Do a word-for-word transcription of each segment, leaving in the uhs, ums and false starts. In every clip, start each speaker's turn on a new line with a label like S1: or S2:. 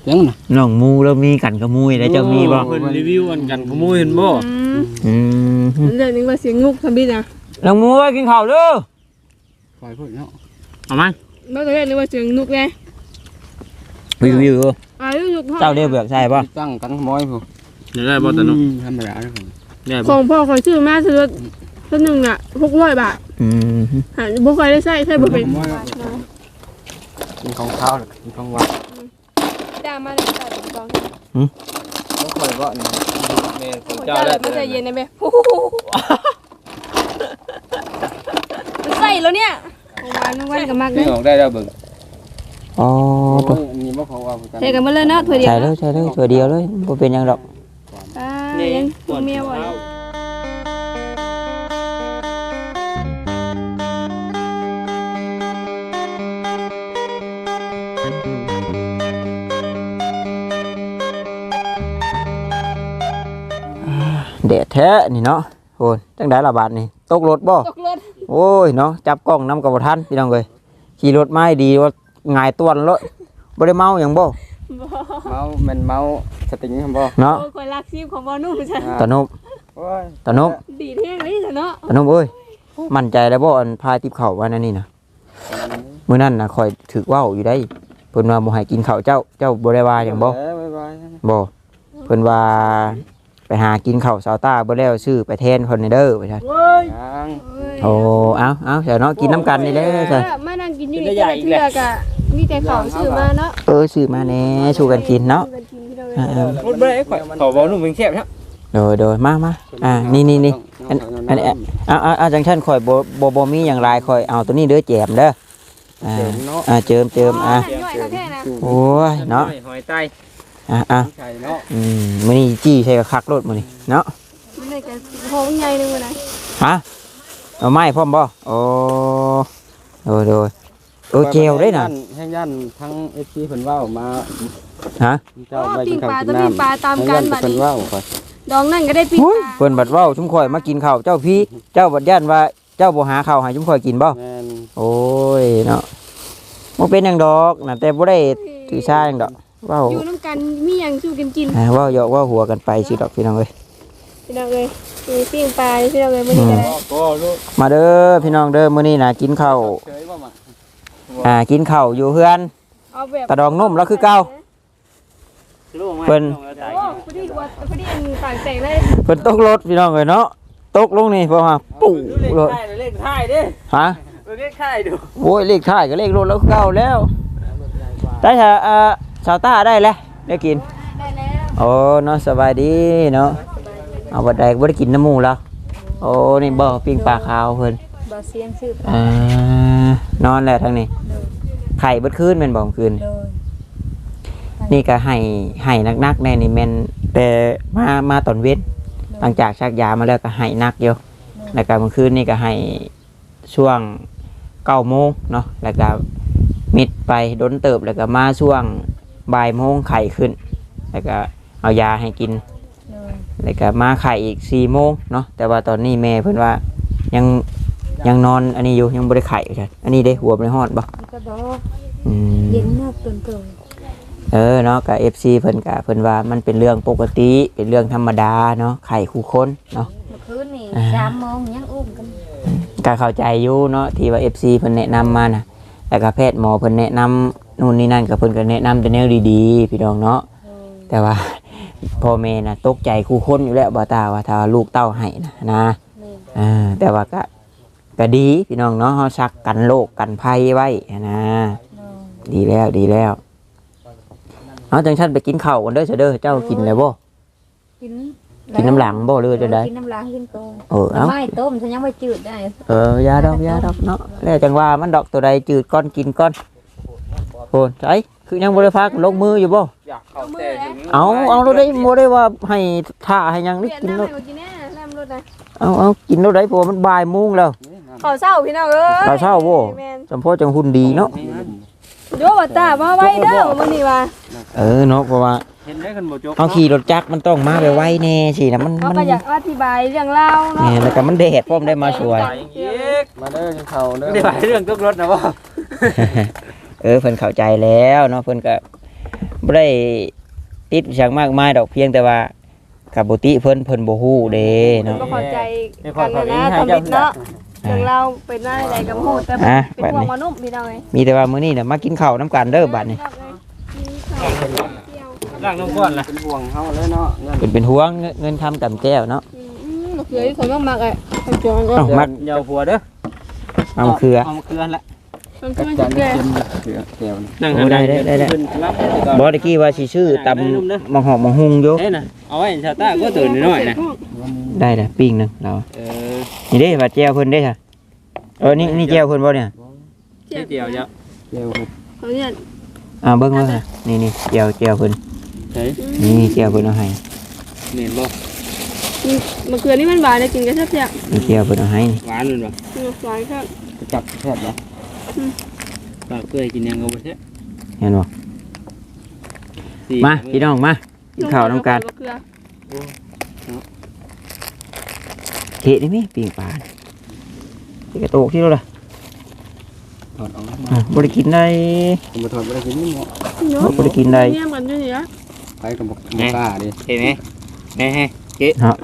S1: ยังน่ะน้องมูแล้วมีกันขโมยได้เจ้ามีบ่เพิ่นรีวิวอันกันขโมยเห็นบ่อืม
S2: เรื่องนี้ว่าเสียงงุกทำบิดนะ
S1: น้องมูกินข้าวเด้อปล่อยเพิ่นเนาะเอามั้ย
S2: บ่ได้เรื่องนี้ว่าเสียงงุกไง
S1: รีวิว
S2: อ่ารีวิว
S1: เจ้าเรียกเบือกใช่ป่ะ
S3: ตั้งกันขโมยพุ่
S1: นได้บ่ตะนุ
S3: ธรรมดาเด้อ
S2: ของพ่อคอยซื้อมาซื้อตัวนึงน่ะหกร้อยบาท
S1: อืม
S2: หาบ่ค่อยได้ใช้ใช้บ่เป็น
S3: กินของข้าวกินของหวาน
S2: จ้างมาได้จ่ายกอง
S3: หืมบ่ค่อยบ่นี่แม่ของเจ้า
S2: แล้วมันจะเย็นได้มั้ยใส่แล้วเนี่ยวันวันก็มัก
S3: นี่ออกได้แล้วเบิ่ง
S1: อ๋อ
S3: นี่บ่เขาว่า
S2: ใช่กันมาเลยเนาะถ้วยเดียว
S1: ใช่เลยใช่เลยถ้วยเดียวเลยบ่เป็นหยังดอก
S2: อ่ายังตัวเมียบ่
S1: เด็ดแท้นี่เนาะโอ้ยจังได้ละบาทนี่ตกรถบ่
S2: ตกรถ
S1: โอ้ยเนาะจับกล้องนำกับบ่ทันพี่น้องเอ้ยขี่รถมาดีว่าง่ายต้วนเลยบ่ได้เมาหยังบ่
S3: เมาแม่นเมาสติงคั่นบ่
S1: เนาะ
S2: โอ้ข่อยรักชีพของบ่นุ่มจ้ะ
S1: ตะนุบ
S3: โอ้ย
S1: ตะนุบ
S2: ดีแท้เลยจ้ะเนาะ
S1: ตะนุบเอ้ยมั่นใจแล้วบ่อันพาติบข้าวว่านั่นนี่น่ะมื้อนั้นน่ะข่อยถึกเว้าอยู่ได้เพิ่นว่าบ่ให้กินข้าวเจ้าเจ้าบ่ได้ว่าหยังบ่บ่เพิ่นว่าไปหากินข้าวซาวต้าบ่แล้วซื้อไปแทนเพิ่นนี่เด้อว่าซั่นโอ้เอ้าเอ้าเดี๋ยวเนาะกินน้ำกันนี่เด้อซั่น
S2: มานั่งกินอยู่นี่เทื่อกะมีแต่ข้าวซื้อมาเนาะ
S1: เออซื้อมาแน่สู้กันกินเนาะ
S3: พูดบ่ได้ข่อยขอบ่นุ่มเป็นแซ่บครับ
S1: โดยๆมาๆอ่านี่ๆๆอันอันเอาเอาจังซั่นข่อยบ่บ่บ่มีหยังหลายข่อยเอาตัวนี้เด้อแจมเด้ออ่าอ่าเจิมเจิมอ่ะโอ้ยเนาะ
S3: หอยไต้
S1: อ่ะอ่ะอืมมื้อนี้จี้ใส่กับคักรถมื้อนี้เนาะ
S2: มันได้ก็โหใหญ่นึงมื้อนั้น
S1: ฮะเอาไม้พร้อมบ่โอ้โดยๆโอ้เจลได้น่ะ
S3: แห้งย่านทั้ง เอฟ ซี เพิ่นเว้ามา
S1: ฮะ
S2: เจ้าไปกินข้าวกินน้ำปลาตามกันบัดนี้
S3: เพิ่นเว้าข่อย
S2: ดองนั่นก็ได้ปิ้งปลา
S1: เพิ่นบัดเว้าชุมข่อยมากินข้าวเจ้าพี่เจ้าบัดย่านว่าเจ้าบ่หาข้าวให้ชุมข่อยกินบ่
S3: แม่น
S1: โอ้ยเนาะบ่เป็นหยังดอกน่ะแต่บ่ได้ถือซ่าหยังดอกเว้า
S2: อยู่นำกันมีหยังสู้กันกิน
S1: อ่าเว้าหยอกเว้าหัวกันไปสิดอกพี่น้องเอ้ย
S2: พี่น้องเอ้ยมีปิ้งปลาพี่น้องเอ้ยมื้อนี้ก็ได้
S1: มาเด้อพี่น้องเด้อมื้อนี้น่ะกินข้าวอ่ากินข้าวอยู่เฮือนตะดองนุ่มแล้วคือเก่าเพิ่น
S2: โอ้พอดีว่าพอดีอันต่างแตกเลย
S1: เพิ่นตกรถพี่น้องเอ้ยเนาะตกลงนี่เพราะว่าปุ๊บรถ
S3: เลขท้ายเด้
S1: ฮะ
S3: เลขท้ายดู
S1: โอ้ยเลขท้ายก็เลขรถแล้วเก่าแล้วได้ถ้าอ่าชาวต้าได้แล้วได้กิน
S2: ได้แล้ว
S1: โอ้เนาะสบายดีเนาะเอาบัดใดบ่ได้กินน้ำหมูแล้วโอ้นี่บ่ปิ้งปลาขาวเพิ่น
S2: บ่เสียงชื่อ
S1: อ่านอนแล้วทั้งนี้ไข่เบิดคืนแม่นบ่คืนนี่ก็ให้ให้นักๆแน่นี่แม่นแต่มามาตอนเว้นหลังจากชักยามาแล้วก็ให้นักอยู่แล้วก็เมื่อคืนนี่ก็ให้ช่วงเก้าโมงเนาะแล้วก็มิดไปดนเติบแล้วก็มาช่วงบ่ายโมงไข่ขึ้นแล้วก็เอายาให้กินแล้วก็มาไข่อีกสี่โมงเนาะแต่ว่าตอนนี้แม่เพิ่นว่ายังยังนอนอันนี้อยู่ยังบ่ได้ไข่จ้ะอันนี้ได้หัวบ่ได้ฮอดบ่
S2: ก็บ่
S1: อืม
S2: เย็นมากเกินเกิน
S1: เออเนาะก็ เอฟ ซี เพิ่นก็เพิ่นว่ามันเป็นเรื่องปกติเป็นเรื่องธรรมดาเนาะไข่คู่คนเนาะ
S2: เมื่อคืนนี่สามโมงยังอุ้มกัน
S1: ก็เข้าใจอยู่เนาะที่ว่า เอฟ ซี เพิ่นแนะนำมาน่ะแล้วก็แพทย์หมอเพิ่นแนะนำนู่นนี่นั่นก็เพิ่นก็แนะนำแต่แนวดีๆพี่น้องเนาะแต่ว่าพ่อแม่น่ะตกใจคู่คนอยู่แล้วบ่ตาว่าถ้าลูกเต้าให้นะนะอ่าแต่ว่าก็ก็ดีพี่น้องเนาะเฮาซักกันโรคกันภัยไว้นะดีแล้วดีแล้วเอาจังซั่นไปกินข้าวกันเด้อเด้อเจ้ากินแล้วบ่
S2: กิน
S1: กินน้ำหลังบ่หรือจะได้
S2: กินน้ำหลังกินโต
S1: เออเอา
S2: ไม่ต้มฉันยังไม่จืดได้
S1: เออยาดอกยาดอกเนาะแล้วจังว่ามันดอกตัวใดจืดก้อนกินก้อนโหใช่คือยังบ่ได้พักลงมืออยู่บ่เอาเอาเราได้บ่ได้ว่าให้ท่าให้ยังนี่กินแล้วเอาเอากินแล้วได้เพราะมันบ่ายโมงแล้ว
S2: ข้าวเช้าพี่น้องเอ้ย
S1: ข้าวเช้าบ่จำเพาะจังหุ่นดีเนาะ
S2: โยบ่ตามาไว้เด้อมื้อนี้ว่า
S1: เออเนาะเพราะว่า
S3: เห็นได้คันบ่จบ
S1: เอาขี่รถจักรมันต้องมาไวๆแน่สินะมัน
S2: มันก็อยากอธิบายเรื่องเล่าเนาะ
S1: นี่แล้วก็มันแดดพร้อมได้มาสวย
S3: มาเด้อกินข้าวเด้ออธิบายเรื่องตกรถนะบ่
S1: เออเพิ่นเข้าใจแล้วเนาะเพิ่นก็บ่ได้ติดอย่างมากมายดอกเพียงแต่ว่ากับบุติเพิ่นเพิ่นบ่ฮู้เด้เนาะ
S2: ก็เข้าใจกันนะตำบิดเนาะเรื่องเราเป็นหน้าใดกับฮู้แต่เป็นห่วงมนุษย์พี่น้องเอ้ย
S1: มีแต่ว่ามื้อนี้น่ะมากินข้าวน้ำกันเด้อบัดนี้
S3: ร่างน้องก้อนล่ะเป็นห่วงเฮาเลยเนาะเงิน
S1: เป็นเป็นห่วงเงินเงินทำกับแก้วเนาะ
S2: อืมมะเขือที่คนมากๆอ่ะทำจวนก็
S1: เอ้ามัก
S3: เยาหัวเด้อ
S1: เอามาเคือ
S3: เอามาเคือละ
S2: มันก็มันจะแก่
S3: เคือแก้ว
S1: นั่งได้ได้ได้ได้บ่ตะกี้ว่าสิชื่อตำมะหอกมะฮุงอยู่
S3: เอ้ยน่ะเอาไว้ชาวต้าก็ตื่นน้อยๆนะ
S1: ได้น่ะปิ้งหนึงเรา
S3: เออ
S1: นี่เด้ว่าแก้วเพิ่นเด้ค่ะเออนี่นี่แก้วเพิ่นบ่เนี่ย
S3: เดียวเยอะเดียว
S2: เขาเนี่ย
S1: อ่าเบิ่งเบิ่งค่ะนี่นี่แก้วแก้วเพิ่น
S3: เฮ้ย
S1: นี่แก้วเพิ่นเอาให้
S3: เห็นบ่
S2: มะเขือนี่มันหวานเลยกินกันแซ่บ
S1: นี่แก้วเพิ่นเอาให้นี่
S3: หวานเลยบ่
S2: ๆมันหวานครับ
S3: จับแซ่บบ่ปลาเกยกินยังเอาไปแท้
S1: เห็นบ่มาพี่น้องมากินข้าวน้ำกัน
S2: มะเขือ
S1: เทนี่มีปิ้งปลาที่กระโตกที่เราล่ะ
S3: ถอดออก
S1: อ่ะบ่ได้กินได้
S3: ผมมาถอดบ่ได้กินนี่หมอ
S2: เนาะ
S1: บ่ได้กินได้
S2: เนี่ยมันอยู่นี่นะ
S3: ไปกับบ่กล้าดิเห็นไหมแน่ๆเก๊
S1: เนาะ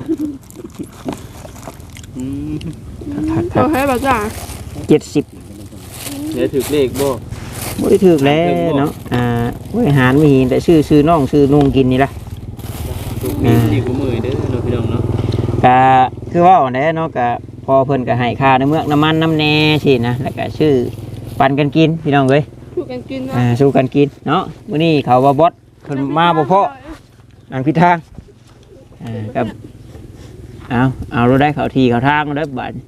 S3: อืม
S1: ถัก
S2: เขาให้แบบจ้า
S1: เจ็ดสิบ
S3: เดี๋ยวถึกเลขบ่
S1: บ่ได้ถึกแล้วเนาะอ่าบริหารมีแต่ชื่อชื่อน้องชื่อนุ่งกินนี่ล่ะ
S3: ถูกมีดีกูมือเด้อเนาะพี่น้องเนาะ
S1: ก็คือว่าแหน่เนาะก็พอเพิ่นก็ให้ค่าน้ำเมือกน้ำมันน้ำแหน่สินะแล้วก็ชื่อปันกันกินพี่น้องเอ้ย
S2: ถูกกันกิน
S1: อ่าสู้กันกินเนาะมื้อนี้เขาว่าบอสเพิ่นมาบ่พอทางพิดทางอ่ากับเอาเอาเราได้เขาทีเขาทางเด้อบัด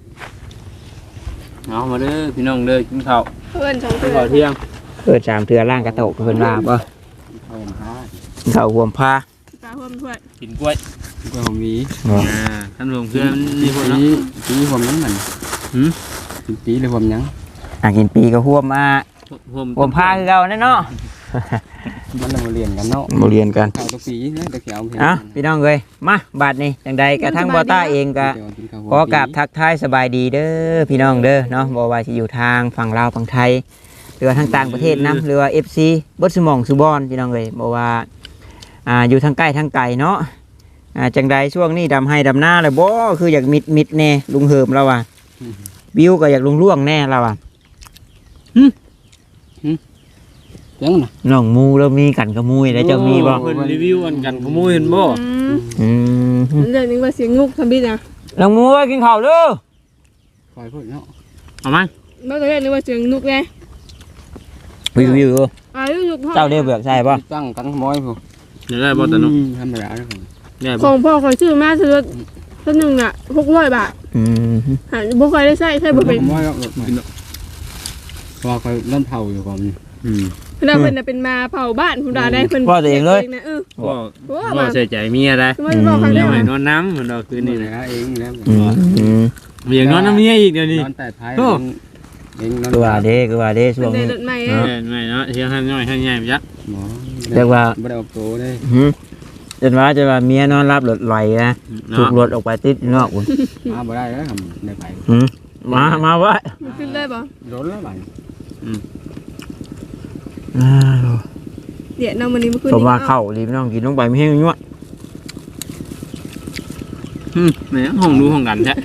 S3: เอามาเด้อพี่น้องเด้อกินข้าว
S2: เพื่อนสอง
S3: กิ
S2: เพื่
S3: นข้า
S2: อ
S3: วน เที่ยง
S1: เปิดสามเทือล่างกระโตกเพิ่นว่าบ่
S3: ข้าวหา
S1: เขาห่วมพา
S2: ตาเพื่อนเพื่อน
S3: กินกล้วยกล้วยหอมหวี
S1: บ่
S3: อ่าท่านรวมเพื่อนนี่คนเนาะปีหอมยังมันหืมกินปีเลยหอมยัง
S1: อ่ะกินปีก็ห่วมมา
S3: หอม
S1: ห่วมพาคือเก่าแน่เนาะ
S3: มันเราเรียนกันเนาะ
S1: บ่เรียนกัน
S3: ข้าวตัวปีเนี่ยตะเขียว
S1: อ่ะพี่น้องเอ้ยมาบาดนี้จังใดกระทั่งบ่ต้าเองก็ขอกราบทักทายสบายดีเด้อพี่น้องเด้อเนาะบ่ว่าสิอยู่ทางฝั่งลาวฝั่งไทยหรือว่าทางต่างประเทศนํหรือว่า เอฟ ซี เบิดสมองสุบอนพี่น้องเอ้ยบ่ว่าอ่าอยู่ทางใกล้ทางไกลเนาะอ่าจังใดช่วงนี้ดำให้ดำหน้าแล้วบ่คืออยากมิดมิดแน่ลุงเหิมเราอ่ะวิวก็อยากลุงล่วงแน่เราอ่ะ
S3: ยังน่ะ
S1: น้องมูแล้วมีกันกับมุยแล้วเจ้ามีบ่
S3: เพิ่นรีวิวอันกันขโมยเห็นบ่
S2: อืม
S1: อืม
S2: เรื่องนี้ว่าเสียงงุกทำบิดนะ
S1: น้องมูเอ้ยกินข้าวเด้อ
S3: คอยพูดเนาะเอามา
S2: เมื่อกี้นึกว่าเสียงนุกไง
S1: วิววิว
S2: อายุยุก
S1: เจ้าเด้อเบือกใช่ป่ะ
S3: ตั้งกันขโมยผู้เดี๋ยวได้บ่ตะนุธรรมดาเด้อได้
S2: ข
S3: บ่
S2: องพ่อคอยซื้อมาซื้อตัวหนึ่งอ่ะหกร้อยบาท
S1: อืม
S2: หาบ่เคยได้ใช้ใช้บ่เป็น
S3: ขโมยแล้วกินเนาะพอคอยเล่นเผาอยู่ก่อนอืม
S2: เพิ่นเป็นเป็นมาเผาบ้านคุณดาได้เพิ่นนะเออ
S3: บ่บ่ใส่ใจเมียได้
S2: มันบอกครั้ง
S3: เดี๋
S2: เดี
S3: ย
S2: ยว ว
S3: ให้นอนน้ำเหมือนเราคืนนี้นะเองแล้ว
S1: อืมอืม
S3: อยากนอนน้ำเมียอีกเดี๋ยวนี้
S4: นอนแต่ท้าย
S3: โอ้
S4: เองนอน
S1: คือว่าเด้คือว่าเด้ช่วง
S2: ได้
S1: นี้
S2: รถใหม่
S3: เออไม่เนาะเที่ยงให้น้อยให้ใหญ่ไปจ้ะ
S4: หมอ
S1: เรียกว่า
S4: ไม่ได้ออกโตได้
S1: หืมจนว่าจะว่าเมียนอนรับรถไหลนะถูกรถออกไปติดนอกอุ่น
S4: มาบ่ได้แล้วทำได้ไป
S1: หืมมามาไว้
S2: ขึ้นได้บ่
S4: รถแล้วไป
S1: อ้าว
S2: เดี๋ยวนำวันนี้มาขึ้น
S1: ผมว่าเข้ารีบน้องกินลงไปไม่ให้ยั่ว
S3: อืมแหมห้องดูห้องกันใช่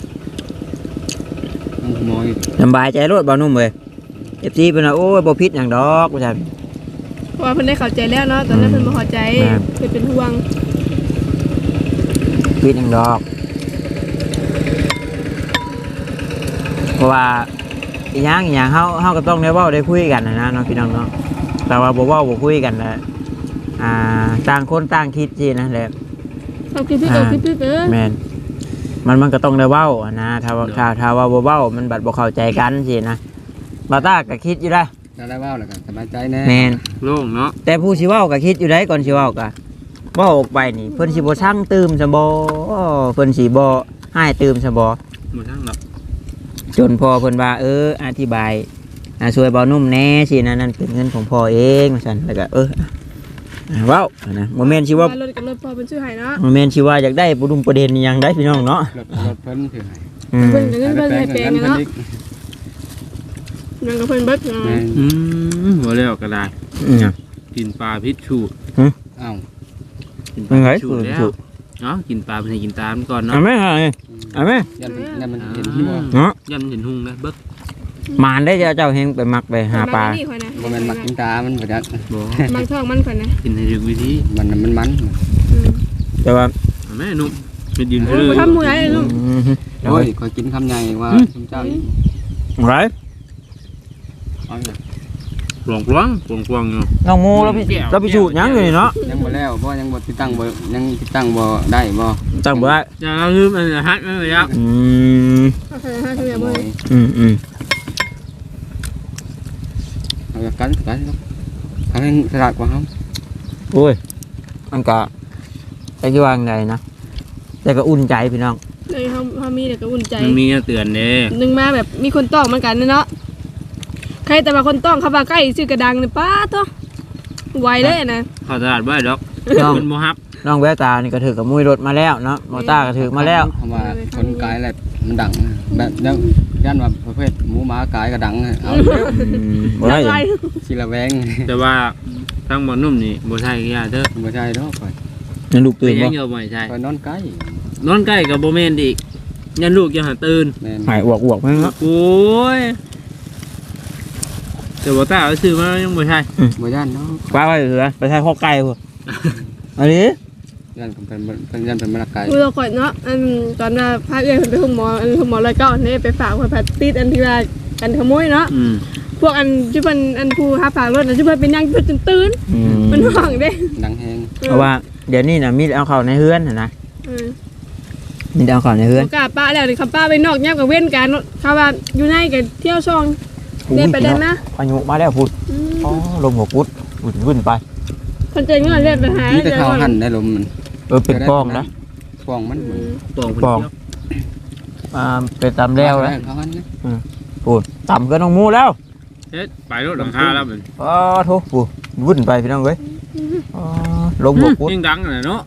S4: ต้องขโมย
S1: สบายใจรถบ่นุ่มเลยเอฟซีเป็นว่าโอ้ยบ่พิษอย่างดอกว่าซั่น
S2: เพราะว่าเพิ่นได้เข้าใจแล้วเนาะตอนนั้นเพิ่นบ่เข้าใจเพิ่นเป็นห่วง
S1: พิษอย่างดอก เพราะว่าอีหยังอีหยังเฮาเฮาก็ต้องได้เว้าได้คุยกันนะนะเนาะพี่น้องเนาะแต่ว่าบ่เว้าบ่คุยกันแหละอ่าต่างคนต่างคิดสินะแหละ
S2: เขาคิดพี่ก็คิดพี่เด้อ
S1: แม่นมันมันก็ต้องได้เว้าอะนะถ้าว่าถ้าถ้าว่าบ่เว้ามันบัดบ่เข้าใจกันสินะบาต้าก็คิดอยู่ได้
S4: ถ้าได้ว่าวแล้วกันสบายใจแน่
S1: แม่น
S3: โล่งเนาะ
S1: แต่ผู้สิเว้าก็คิดอยู่ได้ก่อนสิเว้าก็เว้าออกไปนี่เพิ่นสิบ่สั่งตื่มซะบ่เพิ่นสิบ่ให้ตื่มซะบ่
S3: หมดทั้งหรอก
S1: จนพอเพิ่นว่าเอออธิบายอ่าช่วยเบานุ่มแหน่สินะนั่นเป็นเงินของพ่อเองว่าซั่นแล้วก็เอออ่าเว้านะบ่แม่นสิว่า
S2: รถกับรถพอเป็นชื่อให้เนาะ
S1: บ่แม่นสิว่าอยากได้ประดุมประเด็นอิหยังได้พี่น้องเนาะ
S4: รถรถเพิ่นถือให้
S1: อืม
S2: เพิ่นก็เงินเพิ่นให้แปลง
S4: เงิน
S2: เนาะ
S4: อีก
S2: ยังกับเพิ่นเบิดเนาะ
S4: แม่น
S3: อืมหัวเร็วก็ได้
S1: อืม
S3: กินปลาพิษชู
S4: อ้าว
S3: กินปลาพิษชูแล้วเนาะกินปลาเป็นให้กินตามก่อนเนาะ
S1: เอาไหมเอาไหมเอาไหม
S4: ยันยันมันเห็นที่บ่
S1: เนาะ
S3: ย่ำเห็นหุ่งนะเบิก
S1: มานได้เจ้าเจ้าเฮงไปมักไปหาปลา
S2: นี่ข่อยนะ
S4: บ่แม่นมักกินตามันบ่จัก
S3: บ่
S2: บางท้องมันข่อยนะ
S3: กินให้ถูกวิธี
S4: มันมันมัน
S1: แต่ว่า
S3: แม่นุ่มเป็นยืน
S2: เอ
S3: เพื่
S2: อ
S3: อ
S2: ทำหมูไรลูก
S1: อืม
S4: โอ้ยคอยกินคำใหญ่ว่าคุณเจ้าอีก
S1: ไร
S4: เอาอยู่
S3: ปลองปลองปลองปลองอยู่
S1: น้องโมแล้วพี่แล้วพี่ชูดยังอยู่นี่เนาะ
S4: ยังบ่แล้วเพราะยังบ่ติดตั้งบ่ยังติดตั้งบ่ได้บ่
S1: จังบ่ได้
S3: อย่าเราลืมอันฮักนั่นเลยครับ
S1: อืม
S2: โอเคห้าชั่วโมงเลย
S1: อืมอืม
S4: เอากันกันทำให้สลาดกว่าเฮา
S1: โอ้ยมันก็จะกี่ว่าไงนะแต่ก็อุ่นใจพี่น้อง
S2: เลยเขาเขามีแต่ก็อุ่นใจ
S3: มันมีเตือนเด้
S2: หนึ่งมาแบบมีคนต้องเหมือนกันเนาะใครแต่ว่าคนต้องเขามาใกล้ซื้อกระดังเนี่ยป้าตัวไวเลยนะ
S3: เข้าตลาดบ่ได้ดอก
S1: น้อง
S3: เป็นโมฮับ
S1: น้องแววตานี่ก็ถือกับมุ้ยรถมาแล้วเนาะมอต้าก็ถือมาแล้ว
S4: เพราะว่าคนกายอะไรมันดังแบบยังย่านว่าประเภทหมูหมากายก็ดังเอา
S1: อืมบ่ได้หยัง
S4: สิละแวง
S3: แต่ว่าทั้งบ่นุ่มนี่บ่ใช่ก็ยาเด้อ
S4: บ่ใช่ดอกข่อย
S1: ยังลูก
S3: เป็
S1: ตื่
S3: น
S1: น
S3: ยั
S1: บ่
S3: งเยอะบ่ใช่
S4: ข่อยนอนไกล
S3: นอนใกล้กับบ่แม่นอีกยันลูกยังหาตื่น
S4: แม่น
S1: หายอวกอวกมั้งเนาะ
S3: โอ้ยแต่บ่ตาเอาซื้อมายังบ่ใช่
S4: บ่ย่านเนาะ
S1: ป้าไปเหรอไปใช้ข้อไก่พุ่นอันนี้
S4: ย่านเป็นเป็นย่านเป็นมะละกาย
S2: คือเราก่อนเนาะอันตอนน่ะพาเอื้อยไปห้องหมออันห้องหมอเลยก็อันนี้ไปฝากไว้ผัดติดอันที่ว่ากันขโมยเนาะ
S3: อืม
S2: พวกอันที่เป็นอันผู้หาฝากรถนะที่เป็นเป็นยังตื่นตื่น
S1: อืม
S2: มันห่วงเด้
S4: ดังแฮง
S1: เพราะว่าเดี๋ยวนี้น่ะมีเอาเข้าในเฮือนน่ะนะ
S2: เออ
S1: มีเอาเข้าในเฮือน
S2: โอกาสป้าแล้วนี่เขาป้าไปนอกแยกกับเว้นกันเขาว่าอยู่ในกับเที่ยวช่องเดินไปเดินนะ
S1: พายุมาแล้วพุ่นอ๋อลมหัวกุดวุ่นวุ่นไป
S2: คนเจอเงินเล่นไปหา
S4: นี่แต่เขาหั่นได้ลมมัน
S1: เออเป็นป้องนะ
S4: ป้องมันเหมือน
S3: ปองคน
S1: ปอง
S3: เดียว
S1: อ่าเป็นตำแล้วแล้ว
S4: เขาหั่นนะ
S1: พูดต่ำก็น้องมูแล้ว
S3: เฮ็ดไปรถหลังคาแล้วมัน
S1: อ๋อโทษปูวุ่นไปพี่น้องเว้ยอ๋อลมหัวกุด
S3: ยิ่งดังน่ะเนาะ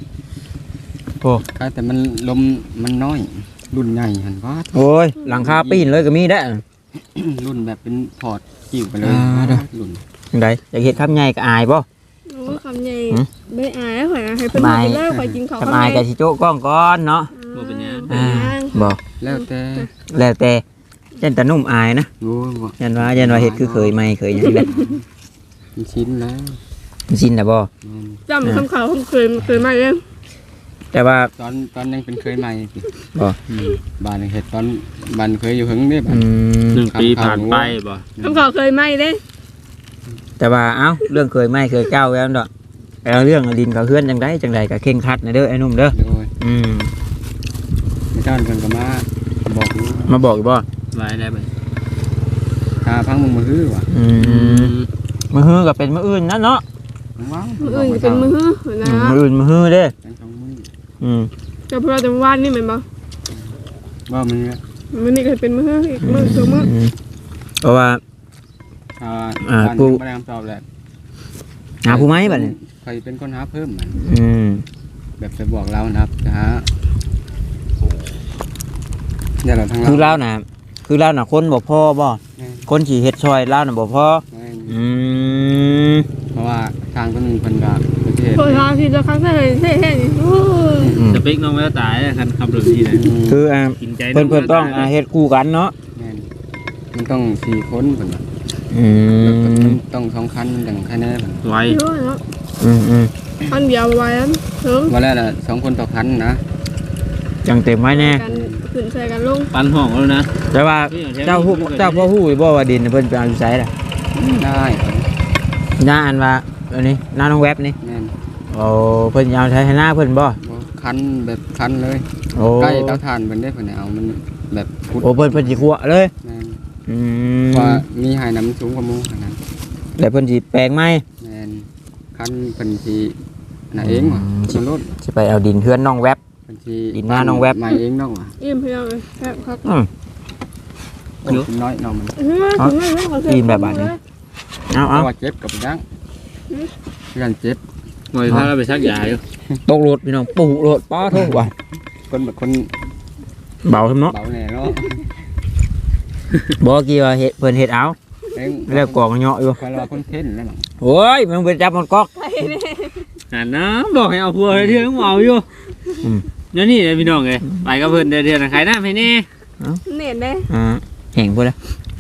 S4: แต่มันลมมันน้อย รุ่นใหญ่หั่นว่า
S1: โอ้ยหลังคาปีนเลยก็มีได้
S4: รุ่นแบบเป็นพอร์ตจิ้วไปเลย
S1: อ่าเด้อ
S4: รุ่น
S1: จังไดอยากเห็นคำใหญ่ก็อายป่ะ
S2: โอ้คำใหญ่ไม่อายข่อยให้เพิ่นกินแล้วข่อยกินของ
S1: คำอายกับชิโจ้กล้องก้อนเนาะ
S3: บ่เป็นหยัง
S1: อ่าบอก
S4: แล้วแต่
S1: แล้วแต่เช่นแต่นุ่มอายนะ
S4: โอ้ยบ่
S1: ยันว่ายันว่าเห็ดคือเคยไม่เคยอย่างนี้แหละ
S4: มันชิ้นแล้ว
S1: ชินนะบ่
S4: แม่น
S2: จำคำเขาคำเคยเคยมาเอง
S1: แต่ว่า
S4: ตอนตอนยังเป็นเคยใหม่สิ
S1: บ่
S4: อืมบ้านเห็ดตอนบ้านเคยอยู่หึงนี่บ้า
S1: อื
S4: น
S1: ม
S3: หนึ่งปีผ่านไปบ่
S2: คำเขาเคยมาเด้
S1: แต่ว่าเอ้าเรื่องเคยไม่เคยเก้าแล้วเนาะแล้วเรื่องดินเขาเฮือนจังไดจังไดก็เข่งครัดนะเด้อไอ้หนุ่มเด้อ
S4: โดย
S1: อืม
S4: ไม่เจ้าเพิ่นก็มาบอกอยู่
S1: มาบอกอยู่บ่
S3: ไว้ได้บ่
S4: ถ้าพังมึงมาฮื้อว่ะ
S1: อืมมือฮือก็เป็นมืออื่นนะเนาะ
S4: ว้าว
S2: มืออื่นเป็นมือนะ
S1: อืมมืออื่นมือฮือเด้อ
S4: เป็นสองมือ
S1: อืม
S2: กับเราแต่วานนี่เหมือนบ่
S4: ว่ามันเนี่ย
S2: มือนี่ก็เป็นมืออีกมือสองมือ
S1: อืมเพราะว่า
S4: อ่า
S1: อ่า
S4: บ้าน
S1: กู
S4: ยังไม่ได้คำตอบแหละ
S1: หาผู้ไม้บัดนี้
S4: ใครเป็นคนหาเพิ่มมัน
S1: อืม
S4: แบบจะบอกเรานะครับจะหาเดี๋ยวเราทั้งเรา
S1: คือเล่าน่ะคือเล่าน่ะคนบ่พอบ่คนสิเฮ็ดซอยเล่าน่ะบ่พอ
S4: แม่น
S1: อืม
S4: เพราะว่าทางต้นหนึ่งคนก็ประเทศ
S2: โอ้ยทางที่จะครั้งแรกเท่เท่นี่โอ้ย
S1: อืม
S3: สเปคน้องแววตายคันขับรถดีนะ
S1: คืออ่า
S3: กินใจ
S1: เพิ่นเพิ่นต้องอ่าเฮ็ดคู่กันเนาะ
S4: แม่นมันต้องสี่คนคนละ
S1: อื
S4: แล้วก็
S1: ม
S4: ต้องสองคันอย่างแค่นี้น
S3: ไว้
S2: เยอะเนาะ
S1: อืมอืม
S2: อันเดียวไว้อันถึง
S4: วันแรกน่ะสองคนต่อคันนะ
S1: จังเต็มไว้แน่
S2: กันขึ้นใส่กันลง
S3: ปันห้องแล้วนะ
S1: แต่ว่าเจ้าผู้เจ้าพ่อฮู้อยู่บ่ว่าดินเพิ่นไปเอาอยู่ไสล่ะ
S4: ได้ครับ
S1: หน้าอันว่าอันนี้หน้าน้องแวบนี่
S4: แม่น
S1: โอ้เพิ่นเอาใช้ให้หน้าเพิ่นบ่
S4: บ่คันแบบคันเลย
S1: โอ้
S4: ใกล้เตาถ่านเพิ่นได้เพิ่นเอามันแบบพุด
S1: โอ้เพิ่นเพิ่นสิคั่วเลย
S4: แม่น
S1: อืม
S4: ว่ามีหายน้ำสูงกว่าหมูขนาดนั้น
S1: แล้วเพิ่นสิแปลงไหม
S4: แม่นคันเพิ่นสิน่ะเองว่ะ
S1: อืม
S4: มันรถ
S1: สิไปเอาดินเฮือนน้องแวบ
S4: เพิ่นสิ
S1: ดินหน้าน้องแวบ
S4: มาเองน้องว่ะ
S2: อิ่มเพียงเลยครับครับ
S1: อืม
S4: โอ้ยน้อยน้องมัน
S2: เอา
S1: เอา
S4: เพ
S1: เอา
S4: ราะว่าเจ็บกับดังกันเจ็บ
S3: หน่อยพาเราไปชักยาอยู่
S1: ตกรถพี่น้องปู่รถป้าโทษว่ะ
S4: คนแบบคน
S1: เบาครับเนาะ
S4: เบาแน่เนาะ
S1: บ่กี่ว่าเฮ็ดเพิ่นเฮ็ดเอา
S4: เอง
S1: แล้วกองเหาะอยู่
S4: คอยรอคนเท่นแล้วหรอ
S1: โอ้โอ้ยมึงไปจับมันก๊อก
S2: ไข่เนี่ย
S3: หันนะบอกให้เอาพัวให้เทื่อต้องเอาอยู่
S1: อืม
S3: เดี๋ยวนี่เลยพี่น้องเลยไปกับเพิ่นเดือนเดือนขายหน้าไปนี่
S2: เน็ตเด้
S1: อ่าแห่งพูดแล้ว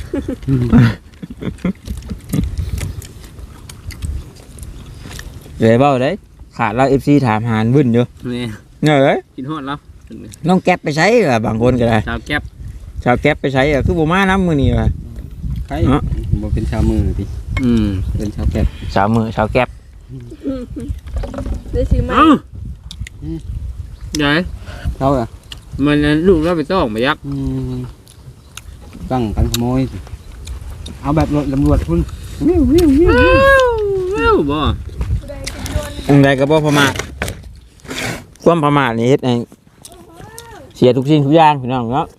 S1: เดี๋ยวเบ้าได้ขาดเราเอฟซีถามหาวุ่นอยู่
S3: นี่
S1: เงย
S3: กินฮอดแล้ว
S1: น้องแก๊ปไปใช้เหรอบางคนก็ได้
S3: ชาวแก๊บ
S1: ชาวแก๊ปไปใช้เหรอคือบ่มาน้ำมือนี่ว่ะ
S4: ใครบ่เป็นชาวมือติ
S3: อืม
S4: เป็นชาวแก่
S1: ชาวมือชาวแก๊ป
S2: ได้ซื้อมา
S3: เอ้าใหญ่
S4: เขาอ่ะ
S3: มันลูกเราไปต้องมายัก
S4: อืมตั้งกันขโมยสิเอาแบบรถตำรวจคุณวิววิววิว
S3: เอ้าบ่
S1: อันใดก็บ่ประมาทความประมาทนี่เฮ็ดให้เสียทุกสิ่งทุกอย่างพี่น้องเนาะ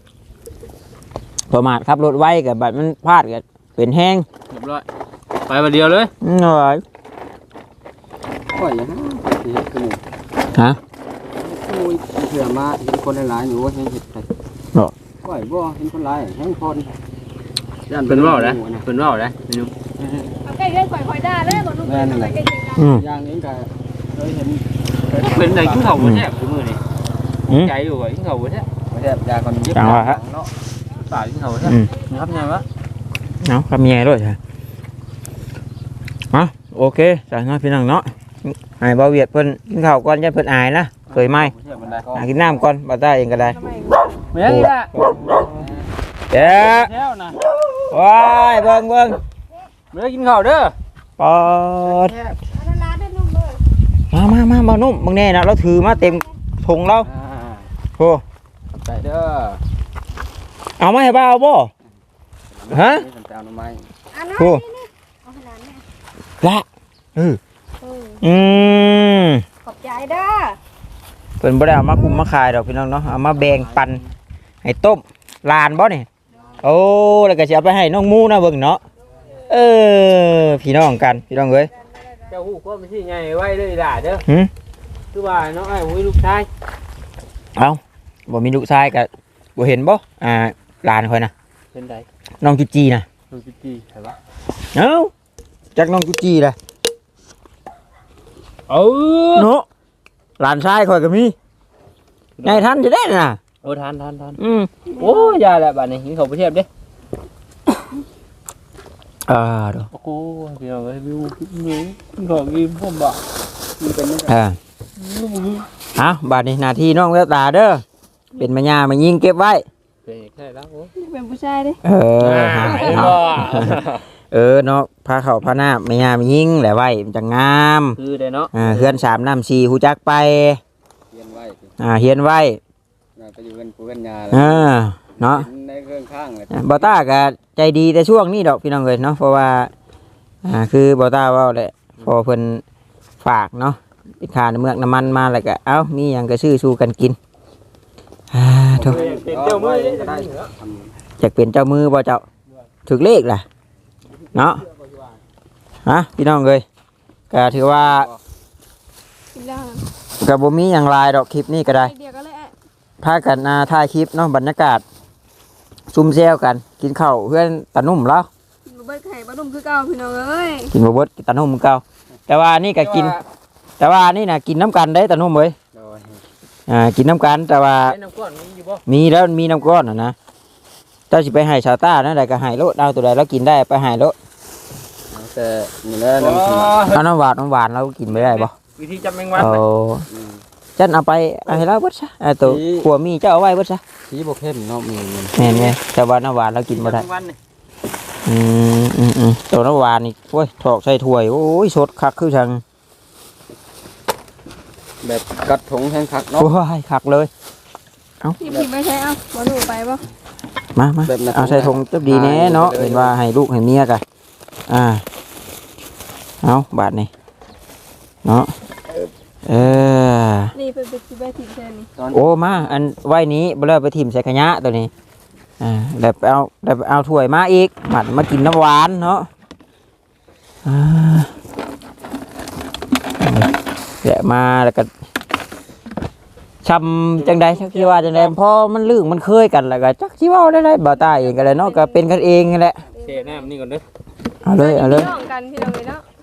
S1: ประมาทขับรถไวกับบัดมันพลาดก็เป็นแห้ง
S3: เรียบร้อยไปมาเดียวเลย
S1: หน่อย
S4: ปล่อยอย่างนั้นสิเฮ็ดคือหมู่
S1: ฮะ
S4: ขโมยเสือมาเห็นคนหลายๆอยู่ว่าเห็นเห็ดไป
S1: บ่
S4: ปล่อยบ่เห็นคนหลายแห้งคนย่าน
S3: เป็นว่าวนะ
S4: หมู่นะ
S3: เป็นว่าวนะนี่นุ่ม
S2: เอาใกล้เล่นข่อยๆได้เลยบ่นุ่มเลยใกล้จริงกัน
S1: อืม
S4: อย่างนี้ก็เคยเห็น
S3: เป็นอะไรขึ้นเขาบนแทบทุกมือนี่
S1: อืม
S3: ใจอยู่ว่าขึ้นเขาบนแทบ
S4: ไม่ได้ยาคนยิบ
S1: จังหวะฮะ
S4: เนาะ
S3: ตายขึ้นเขาบนแทบ
S1: อืม
S3: นะครับไงวะ
S1: เอาคำแย่ด้วยใช่มาโอเคจ้ะน้องพี่น้องเนาะไอ้บ่าวเวียดเพิ่นกินข้าวก่อนอย่าเพิ่นอายนะเคยไหม
S3: เชื่อมันได้
S1: หากินน้ำก่อนบ่ได้เองก็ได้
S2: ทำไม
S3: ไม่ได้ละ
S1: เด้อ
S3: แท้วนะ
S1: ว้ายเบิ่งเบิ่ง
S3: ไม่ได้กินข้าวเด้อ
S1: ปอด
S2: อันนั้นร้านได้นุ่มเลย
S1: มามามามานุ่มบางแน่นะเราถือมาเต็มถุงเรา
S4: อ่า
S1: โอ้
S4: ขอบใจเด้อ
S1: เอามาให้บ่าวบ่ฮะ
S4: นี่ฉันจะเอาหน่อไม้
S2: อันนั้น
S1: โอ้
S2: นี่เอาขนาดนี้
S1: ละเออ
S2: เออ
S1: อืม
S2: ขอบใจเด้อ
S1: เพิ่นบ่ได้เอามาคุมมาขายดอกพี่น้องเนาะเอามาแบ่งปันให้ต้มลานบ่นี่โอ้แล้วก็สิเอาไปให้น้องมูนะเบิ่งเนาะเออพี่น้องกันพี่น้องเอ้ย
S3: เจ้าหูก็ไม่ใช่ไงไว้เลยด่าเด้อ
S1: หึ
S3: คือว่าน้องไอ้หุ้ยลูกชาย
S1: เอาบ่มีลูกชายก็บ่เห็นบ่อ่าหลานค่อยนะ
S3: เป็นไร
S1: น้องจุจีนะ
S3: น้องจิจี้ใช่ปะ
S1: เอ้าจักน้องจุจีล่ะ
S3: เออ
S1: เนาะหลานชายค่อยก็มีไงทันจะได้น่ะ
S3: โอ้ทานทานทาน
S1: อืม
S3: โอ้ยาแหละบ้านนี้กินข้าวไปเทียบดิ
S1: อ่าเด้อ
S3: โอ้โหเดี๋ยวไปวิววิวกินข้าวกินพ่อบ่มันเป็นยังไง
S1: อ่าเอาบัดนี้หน้าที่น้องแววตาเด้อเป็นแม่ย่ามายิงเก็บไว้
S3: เป็นอย่างไรแล้วโอ้
S2: เป็นผู้ชายดิ
S1: เออหา
S3: เห็น
S1: เอา
S3: บ่
S1: เออเนาะพาเขาพาหน้าแม่ย่ามายิงแหละไว้มันจะงาม
S3: คือได้เนาะ
S1: อ่าเฮือนสามน้ำสี่หูจักไป
S4: เรียนไว้สิ
S1: อ่าเฮียนไว้
S4: น่าไปอยู่กันปูกันยา
S1: เออเนาะ
S4: เห็นในเครื่องข้างเลย
S1: บอต้าก็ใจดีแต่ช่วงนี้ดอกพี่น้องเลยเนาะเพราะว่าอ่าคือบอต้าเว่าแหละพอเพิ่นฝากเนาะไปขาน้ำเมือกน้ำมันมาแล้วก็เอ้ามีหยังก็ซื้อสู้กันกินอ่าโถ
S3: เป็นเจ้ามือได้
S4: ก็ได้
S1: อยากเป็นเจ้ามือบ่เจ้าถึกเลขล่ะเนาะฮะพี่น้องเลยก็ถือว่า
S2: กินแล้ว
S1: ก็บ่มีหยังหลายดอกคลิปนี้ก็ได้
S2: ไอเดียก็เลยอ่ะ
S1: พากันอ่าถ่ายคลิปเนาะบรรยากาศซุ่มแซวกันกินข้าวเพื่อนตานุ่มแล้ว
S2: กินบ่เบิดไข่บ่นุ่มคือเก่าพี่น้องเอ้ย
S1: กินบะเบิดกินตานุ่มเก่าแต่ว่านี่ก็กิน แต่ว่านี่นะกินน้ำกันได้ตานุ่มเว้ย
S4: โดย
S1: อ่ากินน้ำกันแต่ว่า
S3: เป็นน้ำก้อนมีอยู่บ่
S1: มีแล้วมีน้ำก้อนนะนะเจ้าสิไปให้ชาวต้านั่นใดก็ให้โลดเอาตัวใดแล้วกินได้ไปให้โลด
S4: เอาแต่นี่แหละน้ำสมัคร
S1: เอาน้ำหวานน้ำหวานเรากินไม่ได้บ่
S3: วิธีจับแมงวัน
S1: เอา
S4: อืม
S1: จันเอาไปเอาให้เราเบิดซะเอาตัว
S4: นี่
S1: ขัวมีเจ้าเอาไว้เบิดซะ
S4: สีบกเข้มเนาะมีเงิน
S1: แม่นไงแต่ว่าน้ำหวานเรากินบ่ได้
S3: แมงวันนี่
S1: อืมอืมอืมตัวน้ำหวานนี่โอ้ยถอกใส่ถ้วยโอ้ยสดคักคือจัง
S4: แบบกัดถงแห้งคักเนาะ
S1: โอ้ยคักเลย
S2: พี่พี่ไม่ใช่เอ้าบ่หนูไปบ่
S1: มามา
S4: แบบนั้น
S1: เอาใส่ถุงจับดีแน่เนาะ
S4: ไปเลย
S1: เห็นว่าให้ลูกให้เมียกันอ่าเอาบาทนี่เนาะเออ
S2: นี่เป็นเป็นสิบทีมแทนนี่
S4: ตอน
S1: โอ้มาอันไว้นี้บ่เลิกไปทิ่มใส่ขยะตัวนี้อ่าแล้วไปเอาแล้วไปเอาถ้วยมาอีกบัดมากินน้ำหวานเนาะอ่าเดี๋ยวมาแล้วก็ชำจังใดชักที่ว่าจังใดพอมันลื่นมันเคยกันแล้วก็จักที่ว่าได้ได้บ่าวตาเองก็เลยเนาะก็เป็นกันเองนั่นแหละ
S3: เทน้ำนี่ก่อนเด้อ
S1: เอาเลยเอาเลย
S2: พี่น้องกันพี่น้องเลยเนาะ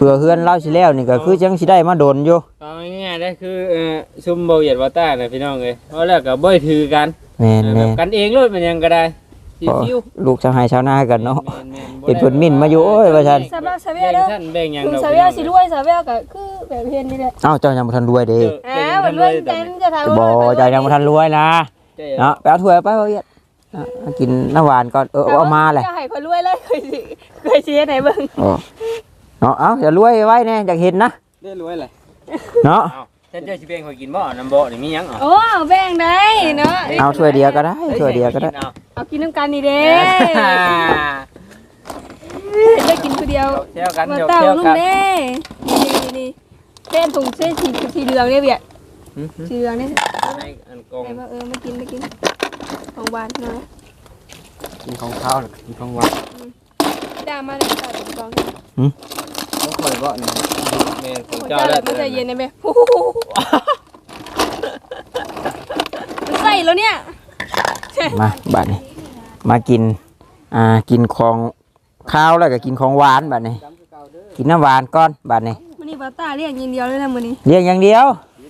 S1: เพื่อเฮือนเราสิแล้วนี่ก็คือจังสิได้มาโดนอยู่
S3: เอาง่ายๆได้คือเอ่อซุ่มเบาเหยียดว่าต้าน่ะพี่น้องเอ้ยเพราะแล้วก็บ่ถือกัน
S1: แม่น
S3: แบ
S1: แม่
S3: บกันเองเลยมันยังก็ได้
S1: พอ
S3: ชิว
S1: ลูกชาวไร่ชาวนากันเนาะ
S3: ๆแม่นๆบ่
S1: เห็น
S3: ได้
S1: เพิ่นมิ่นมาอยู่โอ้ยว่าซั่น
S2: สำหรับสาวเว
S3: แบ่ง
S2: เด้อ
S3: ชั้นแบ่งหยัง
S2: ลุง
S3: ดอก
S2: สาวเวลสิรวยสาวเวลก็คือแบบเห็นนี่แหละ
S1: เอ้าเจ้ายังบ่ทันรวยเด้
S2: อ่ามันรวยเต็มจะทำ
S1: บ่เจ้ายังบ่ทันรวยนะเนาะไปเอาถ้วยไปเอาเอียดนะมากินน้ำหวานก่อนเออเอามาแหละ
S2: จะให้คนรวยเลยเคยสิเคยสิไหนเบิ่ง
S1: โอ้เนาะเอ้าอย่ารวยไว้แน่อยากเห็นนะ
S4: ได้รวยเลย
S1: เนาะ
S3: เอ้าฉันเจ้าสิแบ่งข่อยกินบ่น้ำบ่นี่มีหยังอ่ะ
S2: โอ้แบ่งได้เนาะ
S1: เอาถ้วยเดียวก็ได้ถ้วยเดียวก็ได้
S2: เอากินน้ำกันนี่เด้จะกินคนเดียว
S3: เที่ยวกัน
S2: มา
S3: เที่ยว
S2: เต้า
S3: เที่ยว
S2: ลุง
S3: กัน
S2: เด้นี่นี่เส้นถุงเส้นสีสีเหลืองเนี่ยเบียดสีเหลืองนี่
S3: ในอันกง
S2: ไหนว่าเออมากินมากินของหวานเนาะ
S4: กินของข้าวหรือกินของหวาน
S2: จ้ามาเลยจ้าถุงกอง
S4: ต้องคอยบ่นี่
S3: แม่นของ
S2: เจ้า
S3: เจ้า
S2: เล
S3: แล้
S2: ยว มันจะเย็นได้ไหมมันใส่แล้วเนี่ย
S1: มาบัดนี้มากินอ่ากินของข้าวแล้วก็กินของหวานบัดนี้กินน้ำหวานก่อนบัดนี้
S2: มันนี่ปลาตาเรียกยินเดียวเลยนะมือนี้
S1: เลี้ยงอย่างเดียว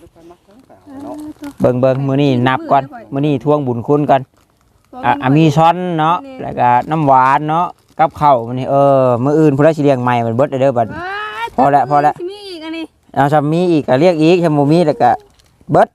S1: เบิ่งเบิ่งมื้อนี้นับก่อนมื้อนี้ทวงบุญคุณก่อนอ่ะอ่ะมีช้อนเนาะแล้วก็น้ำหวานเนาะกับข้าวมื้อนี้เออมื้ออื่นพุ่นละสิเลี้ยงใหม่มันเบิดเด้อบัด พอแล้วพอแล้ว
S2: มีอีกอันนี้
S1: เอาถ้ามีอีกก็เรียกอีกถ้าบ่มีแล้วก็เบิด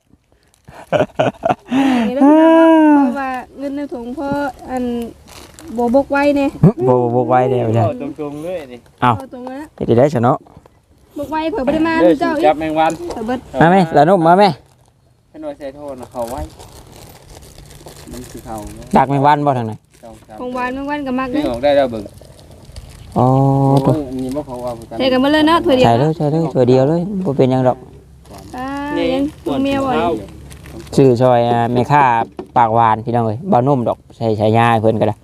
S2: นี่แล้วพี่น้องเพราะว่าเงินในถุงพ่ออันโบบกไว้เนี่ย
S1: บ่บ่บ่ไว้เด้อจ้ะ
S3: ตรงๆเลยนี่
S1: เอา
S2: ตรงนั้น
S1: เฮ็ดได้ซะเนาะ
S2: บกไว้เผื่อไม่ได้มา
S3: เด้อ
S2: เจ้าอี
S3: จั
S2: ก
S3: บแมงวัน
S2: เผื่อเบิด
S1: มาแม่ละนุ่มมาแม่
S3: ให้หน่อยใส่โทษนะเขาไว้
S4: มันคือเขาเนาะ
S1: ดักแมงวันบ่ทางไหน
S4: เจ้าครับ
S2: ของหวานบางวันกับมัก
S3: นี่
S2: เลย
S3: ออกได้แล้วเบิ่ง
S1: อ๋อ
S4: โอ้ยนี่บ่เขาเอากัน
S2: ใส่กันมาเลยเนาะถั่วเดียว
S1: ใช่เลยใช่เลยตัวเดียวเลยบ่เป็นหยังดอก
S2: อ่ายังตัวเมียบ่อย
S1: ชื่อซอยอ่าแม่ค้าปากหวานพี่น้องเอ้ยบ่นุ่มดอกใส่ฉายาให้เพิ่นก็ได้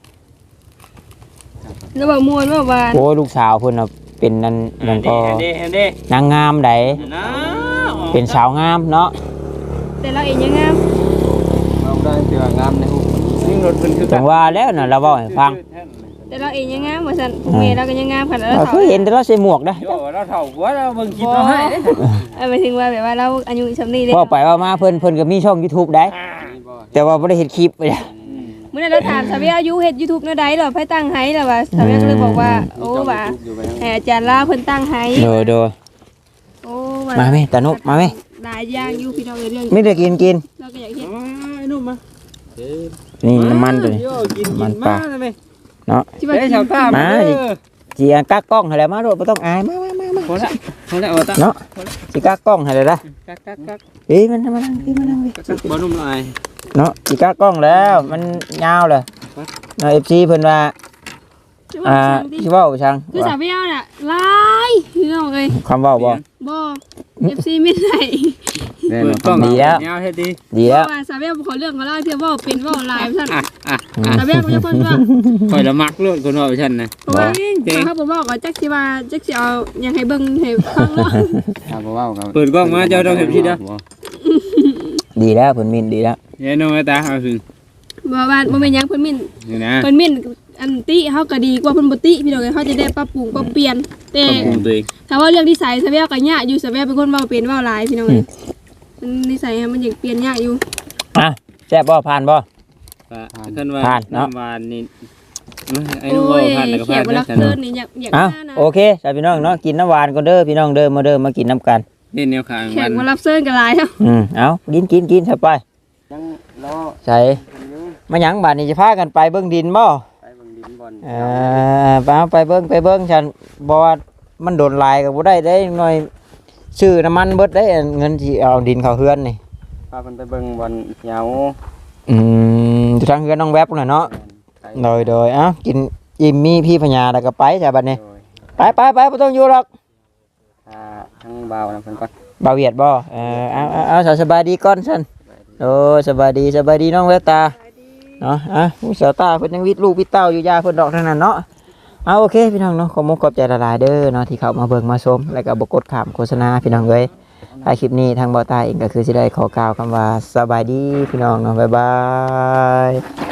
S2: แล้วบอกมวนว่าหวาน
S1: โอ้ยลูกสาวเพิ่นน่ะเป็นนั่นหยังก็
S3: เห็นดิเห็นดิ
S1: นางงามได
S3: นะ
S1: เป็นสาวงามเนาะ
S2: แต่เราเองยังงาม
S4: เอาได้เตืองามในหู
S3: ยิ่งรถเพิ่นคือ
S1: จังว่าแล้วน่ะเราเว้าให้ฟัง
S2: แต่เราเองยังงามว่าซั่นพวกเมียเราก็ยังงามขนาด
S1: เรา
S2: เรา
S1: เคยเห็นแต่เราใส่หมวกนะ
S3: โยเราเฒ่ากว่าเราเบิ่งคลิปเราให้เด้
S2: เออหมายถึงว่าแบบว่าเราอายุสำนี้เลย
S1: ว่าไปว่ามาเพิ่นเพิ่นก็มีช่อง YouTube ได้
S4: นี่บ่
S1: แต่ว่าบ่ได้เฮ็ดคลิปเลย
S2: เมื่อนั้นเราถามสาวเวียอายุเฮ็ด YouTube แนวใดเหรอไผตั้งให้ล่ะว่าสาวเวียก็เลยบอกว่าโอ้ว่า
S4: อยู่ไป
S2: ให้อาจารย์ลาเพิ่นตั้งให้
S1: โดยโดย
S2: โอ้ว่า
S1: มาแม่ตานุมาแม่
S2: หลายอย่างอยู่พี่น้องเอ้ยเรื่อง
S1: ไม่ได้กินกิน
S2: เราก็อยากเฮ็ด
S3: ไอ้นุ่มมา
S1: นี่น้ำมันตัวนี้
S3: โยกิน
S1: มั
S3: กิ
S1: น
S3: น
S1: ปลา
S3: มาเลย
S1: เนาะ
S2: ที่ว่า
S3: เฮ้ย
S2: กิน
S3: ชาวต้ามา
S1: จีอันกักกล้องให้แล้วมาโดดบ่ต้องอายมามามามา
S3: พอละพอละเอาตา
S1: เนาะสิกักกล้องให้แล้วนะ
S3: กักกักกัก
S1: เอ้ยมันมานั่งพี่มานั่งพี่
S3: กักบ่นุ่มหน่อย
S1: เนาะสิกักกล้องแล้วมันยาวเลยเนาะ เอฟ ซี เพิ่นว่า
S2: ที่ว่า
S1: อ่า
S2: ช่างดิ
S1: สิเว้าช่าง
S2: คือสาวเวียน่ะหลายพี่น้องเอ้ย
S1: คำเว้าบ่
S2: บ่ เอฟ ซี ไม่ได้
S4: แน่น
S3: เปิ
S4: อ
S3: ด
S4: น
S3: กล้อง
S1: ดีแล้ว
S3: ยาวเฮ็ดดี
S1: ดี
S2: เพ
S1: แล้ว
S2: ราะว่าสาวเวียขอเรื่องขอเล่าเพื่อเว่าเป็นเว่าหลายซั่น
S3: อ่ะอ่ะ
S2: สาวเวียก็จะเพิ่นว่า
S3: ข่อยละมักเลยคนว่าฉันนะ
S2: เพราะว่าเขาบอกว่าก็จักสิว่าจักสิเอาหยังให้เบิ่งให้ฟังเนาะ
S4: ครับบ่เว้ากัน
S3: เปิดกล้องมาเจ้าต้องเห็นพี่เด้อ
S1: ดีแล้วเพิ่นมินดีแล้ว
S3: เฮ้ยน้องตาเอาถึง
S2: บ่ว่าบ่แม่นหยังเพิ่นมิ่น
S3: นี่นะ
S2: เพิ่นมิ่นอันติเฮาก็ดีกว่าเพิ่นบ่ติพี่น้องเอ้ยเขาจะได้ปรับปรุงปรับเปลี่ยนแต่
S3: ของตัวเอง
S2: ถ้าว่าเรื่องนิสัยสาวเวียก็ยากอยู่สาวเวียเป็นคนเว้าเป็นเว้าหลายพี่น้องเอ้ยมันนิสัยมันยังเปลี่ยนยากอยู่
S1: อ่ะแซ่บบ่ผ่านบ่
S3: ท่านว่า
S1: ผ่านเนาะ
S3: น้ำหวานนี่ไอ้
S2: โอ้
S3: นุ่มว่าย ผ่านแล้วก็
S2: แข
S3: ผ่าก น
S2: เวลา
S3: นะ
S2: เกินนี่อยากอยาก
S1: เอ้า
S2: มานะ
S1: โอเคจ้าพี่น้องเนาะกินน้ำหวานก่อนเด้อพี่น้องเด้อมาเด้อมากินน้ำกัน
S3: นี่แนวขาง
S2: แข
S3: มั
S2: ก
S3: น
S2: มารับเชิญกันหลายเนาะ
S1: อืมเอากินกินกินเข้าไป
S4: ยังรอ
S1: ใส่มาหยังบาดนี้จะพากันไปเบิ่งดินบ่
S4: ไปเบิ่งดินบอล
S1: เอ่าไปเอาไปเบิ่งไปเบิ่งฉันบ่ว่ามันโดนลายก็บ่ได้ได้หน่อยซื้อน้ำมันเบิดได้เงินที่เอาดินเข้าเฮือนนี่
S4: พาเพิ่นไปเบิ่งบอลเหงา
S1: อืมอยู่ทางเฮือนน้องแวบน่ะเนาะ
S4: ไป
S1: โดยโดยเอ้ากินอิ่มมีพี่พญาแล้วก็ไปจ้ะบัดนี้
S4: โดย
S1: ไปไปไปบ่ต้องอยู่หรอก
S4: อ่าทั้งบ่าวนะเพิ่นก่อน
S1: บ่าวเวียดบ่เออเอาเอาเอาสบายดีก่อนซั่นโอ้สบายดีสบายดีน้องแววตาเนาะอ่ะผู้สาวตาเพิ่นยังวิทย์ลูกวิทย์เต้าอยู่ยาเพิ่นดอกทั้งนั้นเนาะเอาโอเคพี่น้องเนาะขอมุกขอบใจละลายเด้อเนาะที่เข้ามาเบิ่งมาชมแล้วก็บ่กดข้ามโฆษณาพี่น้องเอ้ยถ้าคลิปนี้ทางบ่าวตาเองก็คือสิได้ขอกล่าวคำว่าสบายดีพี่น้องเนาะบ๊ายบาย